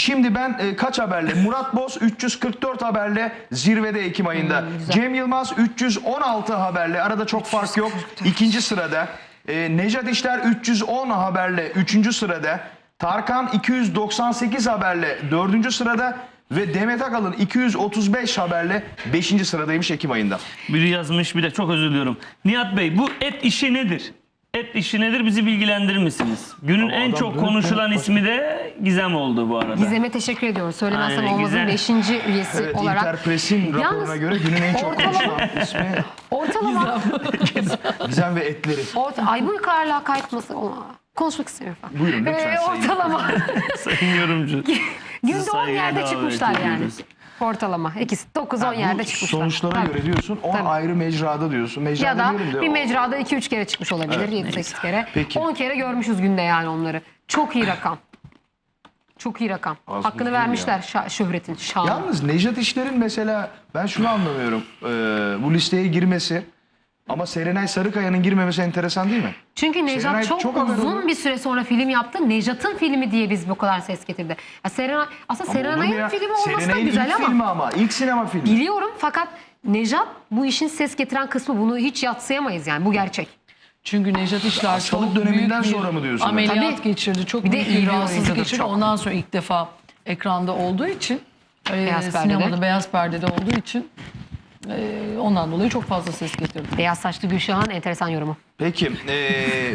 Şimdi ben kaç haberle? Murat Boz 344 haberle zirvede Ekim ayında. Cem Yılmaz 316 haberle, arada çok fark yok, ikinci sırada. Nejat İşler 310 haberle 3. sırada. Tarkan 298 haberle 4. sırada. Ve Demet Akalın 235 haberle 5. sıradaymış Ekim ayında. Biri yazmış, bir de çok özür diliyorum. Nihat Bey, bu et işi nedir? Et işi nedir, bizi bilgilendirir misiniz? Günün en adam çok dönüp konuşulan dönüp ismi de Gizem oldu bu arada. Gizem'e teşekkür ediyoruz. Söylemezsem Aynen, olmazın Gizem. 5. üyesi Evet, olarak. Interpress'in raporuna göre günün en çok konuşulan ismi Ortalama. Gizem ve etleri. Ay bu kadar lakayt nasıl? Konuşmak istiyorum falan. Buyurun lütfen sayın. Ortalama. Sayın yorumcu. Günde 10 saygıyla yerde davet çıkmışlar yani. ediyoruz. Ortalama. İkisi 9-10 yerde Bu çıkmışlar. sonuçlara Tabii. göre diyorsun, 10 Tabii. ayrı mecrada diyorsun. Mecra Ya da demeyelim de bir o- mecrada 2-3 kere çıkmış olabilir. Evet, 7-8 kere. Peki. 10 kere görmüşüz günde yani onları. Çok iyi rakam. Çok iyi rakam. Az buz Hakkını değil vermişler şöhretin, şanı. Yalnız Nejat İşler'in mesela ben şunu anlamıyorum. Bu listeye girmesi ama Serenay Sarıkaya'nın girmemesi enteresan değil mi? Çünkü Nejat Serenay çok, çok haber uzun oldu. bir süre sonra film yaptı. Nejat'ın filmi diye biz bu kadar ses getirdi. Ya Serenay, aslında Ama olur mu Serenay'ın ya? filmi olması da Serenay'ın güzel ilk ama. filmi ama ilk sinema filmi. Biliyorum fakat Nejat bu işin ses getiren kısmı, bunu hiç yadsıyamayız yani, bu gerçek. Çünkü Nejat İşler Hastalık çok döneminden büyük bir sonra mı diyorsun? ameliyat Tabii. geçirdi. Çok Bir de büyük iyi bir bir rahatsızlık oyuncudur, geçirdi. çok. Ondan sonra ilk defa ekranda olduğu için, Beyaz sinemada perdede. beyaz perdede olduğu için ondan dolayı çok fazla ses getirdi. Beyaz saçlı Gülşah'ın enteresan yorumu. Peki.